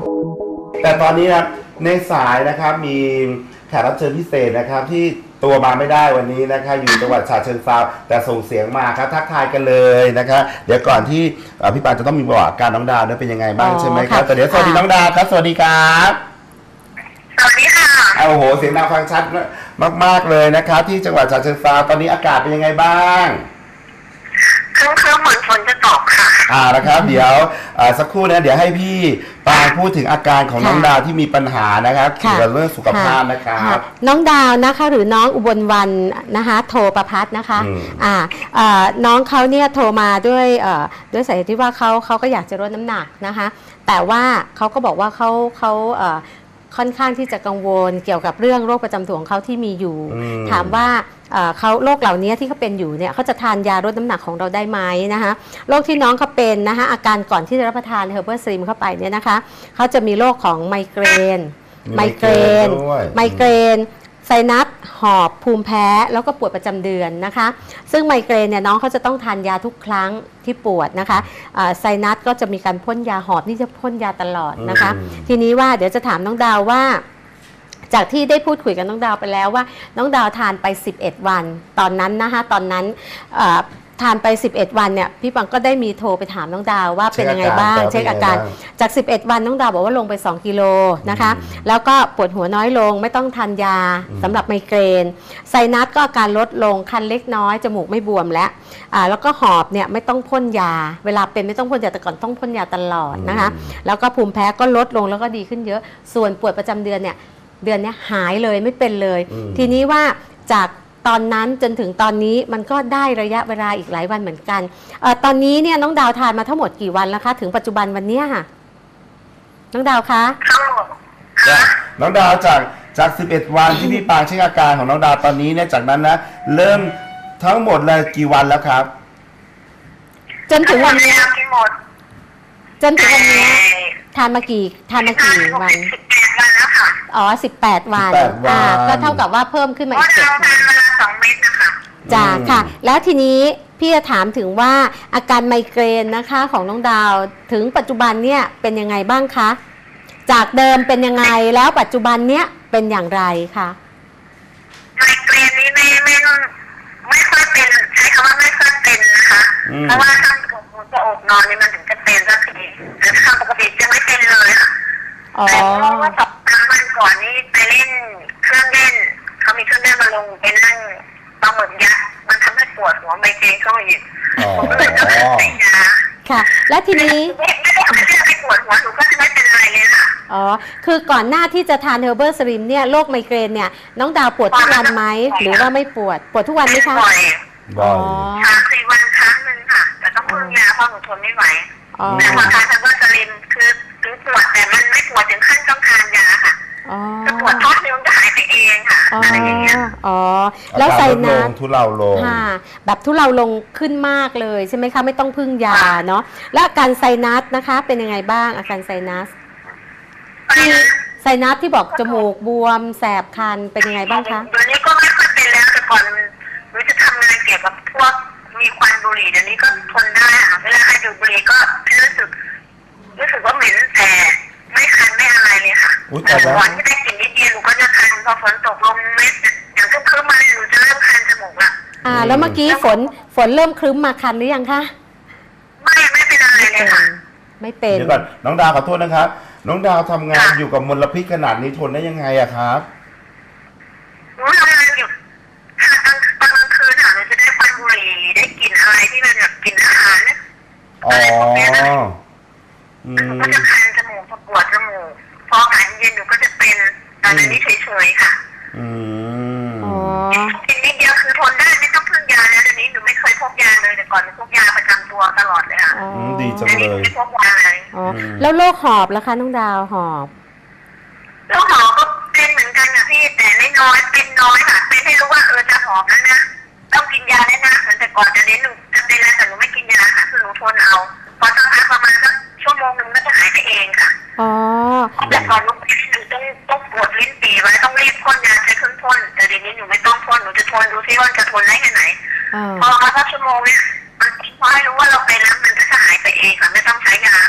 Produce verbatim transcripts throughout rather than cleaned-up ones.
แต่ตอนนี้นะในสายนะครับมีแขกรับเชิญพิเศษนะครับที่ตัวมาไม่ได้วันนี้นะครับอยู่จังหวัดฉะเชิงเทราแต่ส่งเสียงมาครับทักทายกันเลยนะครับเดี๋ยวก่อนที่พี่ปานจะต้องมีประวัติการน้องดาวเป็นยังไงบ้างใช่ไหมครับแต่เดี๋ยวสวัสดีน้องดาวครับสวัสดีครับสวัสดีค่ะโอ้โหเสียงดังฟังชัดมากๆเลยนะครับที่จังหวัดฉะเชิงเทราตอนนี้อากาศเป็นยังไงบ้างครึ้มๆเหมือนฝนจะตกค่ะอ่านะครับเดี๋ยวสักครู่นะเดี๋ยวให้พี่ปานพูดถึงอาการของน้องดาวที่มีปัญหานะครับเกี่ยวกับเรื่องสุขภาพนะครับน้องดาวนะคะหรือน้องอุบลวรรณนะคะโทรประพัฒน์นะคะอ่าน้องเขาเนี่ยโทรมาด้วยด้วยสาเหตุที่ว่าเขาเขาก็อยากจะลดน้ำหนักนะคะแต่ว่าเขาก็บอกว่าเขาเขาค่อนข้างที่จะกังวลเกี่ยวกับเรื่องโรคประจำตัวของเขาที่มีอยู่ถามว่าเขาโรคเหล่านี้ที่เขาเป็นอยู่เนี่ยเขาจะทานยาลดน้ำหนักของเราได้ไหมนะคะโรคที่น้องเขาเป็นนะคะอาการก่อนที่จะรับประทานเฮอร์เบอร์สลิมเข้าไปเนี่ยนะคะเขาจะมีโรคของไมเกรนไมเกรนไมเกรนไซนัสหอบภูมิแพ้แล้วก็ปวดประจำเดือนนะคะซึ่งไมเกรนเนี่ยน้องเขาจะต้องทานยาทุกครั้งที่ปวดนะคะไซนัสก็จะมีการพ่นยาหอบนี่จะพ่นยาตลอดนะคะทีนี้ว่าเดี๋ยวจะถามน้องดาวว่าจากที่ได้พูดคุยกับน้องดาวไปแล้วว่าน้องดาวทานไปสิบเอ็ดวันตอนนั้นนะคะตอนนั้นทานไปสิบเอ็ดวันเนี่ยพี่ปังก็ได้มีโทรไปถามน้องดาวว่าเป็นยังไงบ้างเช็คอาการจากสิบเอ็ดวันน้องดาวบอกว่าลงไปสองกิโลนะคะแล้วก็ปวดหัวน้อยลงไม่ต้องทานยาสำหรับไมเกรนไซนัสก็อาการลดลงคันเล็กน้อยจมูกไม่บวมแล้วแล้วก็หอบเนี่ยไม่ต้องพ่นยาเวลาเป็นไม่ต้องพ่นยาแต่ก่อนต้องพ่นยาตลอดนะคะแล้วก็ภูมิแพ้ก็ลดลงแล้วก็ดีขึ้นเยอะส่วนปวดประจำเดือนเนี่ยเดือนนี้หายเลยไม่เป็นเลยทีนี้ว่าจากตอนนั้นจนถึงตอนนี้มันก็ได้ระยะเวลาอีกหลายวันเหมือนกันเอ่อตอนนี้เนี่ยน้องดาวทานมาทั้งหมดกี่วันแล้วคะถึงปัจจุบันวันนี้ค่ะน้องดาวคะน้องดาวจากจากสิบเอ็ดวันที่พี่ปางเช็คอาการของน้องดาวตอนนี้เนี่ยจากนั้นนะเริ่มทั้งหมดเลยกี่วันแล้วครับจนถึงวันนี้จนถึงวันนี้ทานมากี่ทานมากี่วันอ๋อสิบแปดวันอ่าก็เท่ากับว่าเพิ่มขึ้นมาอีกเจ็ดวันสองเม็ดนะคะจ้าค่ะแล้วทีนี้พี่จะถามถึงว่าอาการไมเกรนนะคะของน้องดาวถึงปัจจุบันเนี่ยเป็นยังไงบ้างคะจากเดิมเป็นยังไงแล้วปัจจุบันเนี้ยเป็นอย่างไรคะไมเกรนนี้ไม่ไม่ไม่ค่อยเป็นใช้คำว่าไม่ค่อยเป็นนะคะเพราะว่าถ้าจะอดนอนนี่มันถึงจะเป็นสักทีหรือทำปกติจะไม่เป็นเลยค่ะแต่เพราะว่าสองครั้งวันก่อนนี้ไปเล่นเครื่องเล่นเขามีเครื่องเล่นมาลงไปนั่งปลาหมึกยักษ์มันทำให้ปวดหัวไมเกรนเข้ามาอีกผมก็เลยต้องไปยาค่ะและทีนี้ไม่ไม่ได้ทำให้ไปปวดหัวหนูก็จะไม่เป็นอะไรเลยค่ะอ๋อคือก่อนหน้าที่จะทานเฮอร์เบอร์สลิมเนี่ยโรคไมเกรนเนี่ยน้องดาวปวดทุกวันไหมหรือว่าไม่ปวดปวดทุกวันไหมคะบ่อยบ่อยสามสี่วันครั้งหนึ่งค่ะแต่ต้องพึ่งยาเพราะหนูทนไม่ไหวแต่พอทานเฮอร์เบอร์สลิมคือถึงปวดแต่มันไม่ปวดถึงขั้นต้องทานยาค่ะจะปวดท้องนิ้วจะหายไปเองค่ะอะไรอย่างเงี้ยอ๋อแล้วไซนัสทุเลาลงค่ะแบบทุเลาลงขึ้นมากเลยใช่ไหมคะไม่ต้องพึ่งยาเนาะแล้วอาการไซนัสนะคะเป็นยังไงบ้างอาการไซนัสที่ไซนัสที่บอกจมูกบวมแสบคันเป็นยังไงบ้างคะเดี๋ยวนี้ก็ไม่ค่อยเป็นแล้วแต่ก่อนหนูจะทำงานเกี่ยวกับพวกมีควันบุหรี่เดี๋ยวนี้ก็ทนได้ค่ะเวลาใครดูดบุหรี่ก็รู้สึกรู้สึกว่าเหม็นแต่ไม่คันไม่อะไรเลยค่ะแต่ก่อนที่ได้กลิ่นนิดเดียวหนูก็จะคันพอฝนตกลงเม็ดอย่างทุกคืนมาหนูจะเริ่มคันจมูกละอ่าแล้วเมื่อกี้ฝนฝนเริ่มครึ้มมาคันหรือยังคะไม่ไม่เป็นอะไรเลยค่ะไม่เป็นเดี๋ยวก่อนน้องดาวขอโทษนะครับน้องดาวทำงานอยู่กับมลพิษขนาดนี้ทนได้ยังไงอะครับหนูทำงานอยู่ค่ะตอนตอนกลางคืนค่ะหนูจะได้ควันบุหรี่ได้กลิ่นอะไรที่มันแบบกลิ่นอาหารเนี่ยอะไรพวกนี้นะหนูก็จะคันจมูกปวดจมูกพออากาศเย็นหนูก็จะเป็นแต่ในนี้เฉยๆค่ะอืมอ๋อกินนิดเดียวคือทนได้ไม่ต้องพึ่งยาแล้วเดี๋ยวนี้หนูไม่เคยพกยาเลยแต่ก่อนหนูพกยาประจำตัวตลอดเลยค่ะดีจังเลยไม่พกยาเลยอ๋อแล้วโรคหอบล่ะคะน้องดาวหอบโรคหอบก็เป็นเหมือนกันนะพี่แต่ไม่น้อยเป็นน้อยค่ะเป็นให้รู้ว่าเออจะหอบแล้วนะต้องกินยาแล้วนะแต่ก่อนจะเน้นหนูจะเป็นอะไรแต่หนูไม่กินยาค่ะคือหนูทนเอาพอสักพักประมาณสักชั่วโมงหนึ่งก็จะหายไปเองค่ะอ๋อแต่ก่อนหนูเป็นหนูต้องต้องปวดลิ้นปี่ไว้ต้องรีบพ่นยาใช้เครื่องพ่นแต่เดี๋ยวนี้หนูไม่ต้องพ่นหนูจะทนดูซิว่าจะทนได้แค่ไหนพอสักชั่วโมงเนี่ยมันพอให้รู้ว่าเราเป็นแล้วมันก็จะหายไปเองค่ะไม่ต้องใช้ยาค่ะ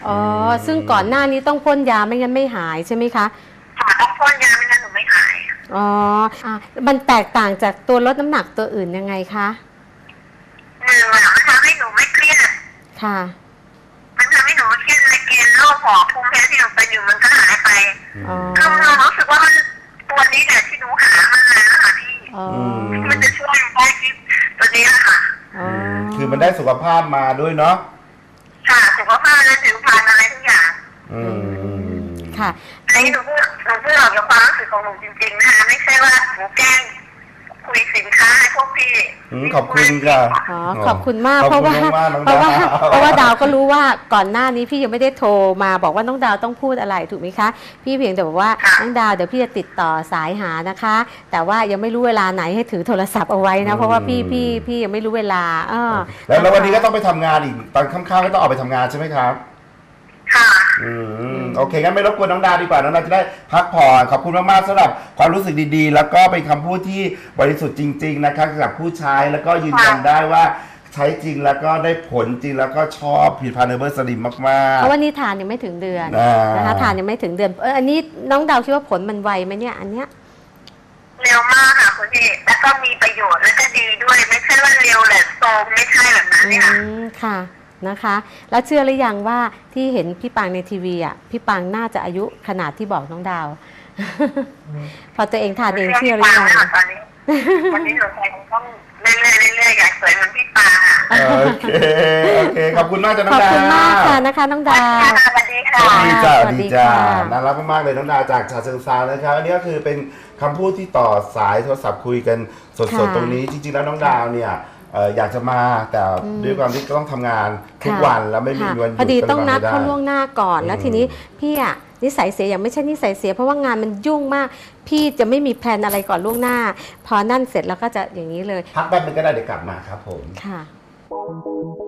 อ๋อซึ่งก่อนหน้านี้ต้องพ่นยาไม่งั้นไม่หายใช่ไหมคะค่ะต้องพ่นยาไม่งั้นหนูไม่หายอ๋ออ่ะมันแตกต่างจากตัวลดน้ำหนักตัวอื่นยังไงคะหนึ่งอะมันทำให้หนูไม่เครียดค่ะมันทำให้หนูไม่เครียดในเกณฑ์โรคหอบภูมิแพ้ที่หนูเป็นอยู่มันก็หายไปอ๋อคือหนูรู้สึกว่ามันตัวนี้เนี่ยที่หนูหามันเลยนะคะพี่อ๋อมันจะช่วยได้ที่ตัวนี้แหละค่ะอ๋อคือมันได้สุขภาพมาด้วยเนาะค่ะสุขภาพและผิวพรรณอะไรทุกอย่างอืมค่ะอันนี้หนูพูดหนูพูดออกจากความรู้สึกของหนูจริงๆนะคะไม่ใช่ว่าหนูแกล้งคุยสินค้าให้พวกพี่อืมขอบคุณค่ะอ๋อขอบคุณมากขอบเพราะคุว่าณมากๆน้องเพราะว่าดาวเพราะว่าดาวก็รู้ว่าก่อนหน้านี้พี่ยังไม่ได้โทรมาบอกว่าน้องดาวต้องพูดอะไรถูกไหมคะพี่เพียงแต่บอกว่าน้องดาวเดี๋ยวพี่จะติดต่อสายหานะคะ แต่ว่ายังไม่รู้เวลาไหนให้ถือโทรศัพท์เอาไว้นะเพราะว่าพี่พี่พี่ยังไม่รู้เวลาเออแล้วแล้ววันนี้ก็ต้องไปทำงานอีกตอนค่ำๆก็ต้องออกไปทำงานใช่ไหมครับค่ะอืมโอเคงั้นไม่รบกวนน้องดาวดีกว่าน้องดาวจะได้พักผ่อนขอบคุณมากๆสำหรับความรู้สึกดีๆ แล้วก็เป็นคำพูดที่บริสุทธิ์จริง ๆ นะครับสำหรับผู้ใช้แล้วก็ยืนยันได้ว่าใช้จริงแล้วก็ได้ผลจริงแล้วก็ชอบผลิตภัณฑ์เนเบอร์สลิมมากๆเพราะว่านี่ทานยังไม่ถึงเดือนอ่านนะคะทานยังไม่ถึงเดือนเอออันนี้น้องดาวคิดว่าผลมันไวไหมเนี่ยอันเนี้ยเร็วมากค่ะคุณพี่แล้วก็มีประโยชน์แล้วก็ดีด้วยไม่ใช่ว่าเร็วแหละโซมไม่ใช่แบบนั้นอืเนี่ยค่ะมค่ะนะคะ แล้วเชื่อหรือยังว่าที่เห็นพี่ปังในทีวีอ่ะพี่ปังน่าจะอายุขนาดที่บอกน้องดาว พอตัวเองทานเองเชื่อหรือยังตอนนี้วันนี้หนูคงต้องเรื่อยๆเรื่อยๆอยากสวยเหมือนพี่ปาค่ะโอเคโอเคขอบคุณมากจ้ะน้ขออง บดาวคุณมากค่ะนะคะน้องดาวสวัสดีค่ะสวัสดีจ้าสสวัวัสสดีดีจ้าค่ะน่ารักมากๆเลยน้องดาวจากฉะเชิงเทรานะครับอันนี้ก็คือเป็นคำพูดที่ต่อสายโทรศัพท์คุยกันสดค่ะๆตรงนี้จริงๆแล้วน้องดาวเนี่ยเอ่ออยากจะมาแต่อืมด้วยความที่ต้องทำงานทุกค่ะวันแล้วไม่มีค่ะวันหยุดพอดีก็เลยต้องนัดมไม่ไเขาล่วงหน้าก่อน แล้วอืมทีนี้พี่อะนิสัยเสียอย่างไม่ใช่นิสัยเสียเพราะว่างานมันยุ่งมาก พี่จะไม่มีแพลนอะไรก่อนล่วงหน้า พอนั่นเสร็จแล้วก็จะอย่างนี้เลยพักแป๊บนึงก็ได้เดี๋ยวกลับมาครับผมค่ะ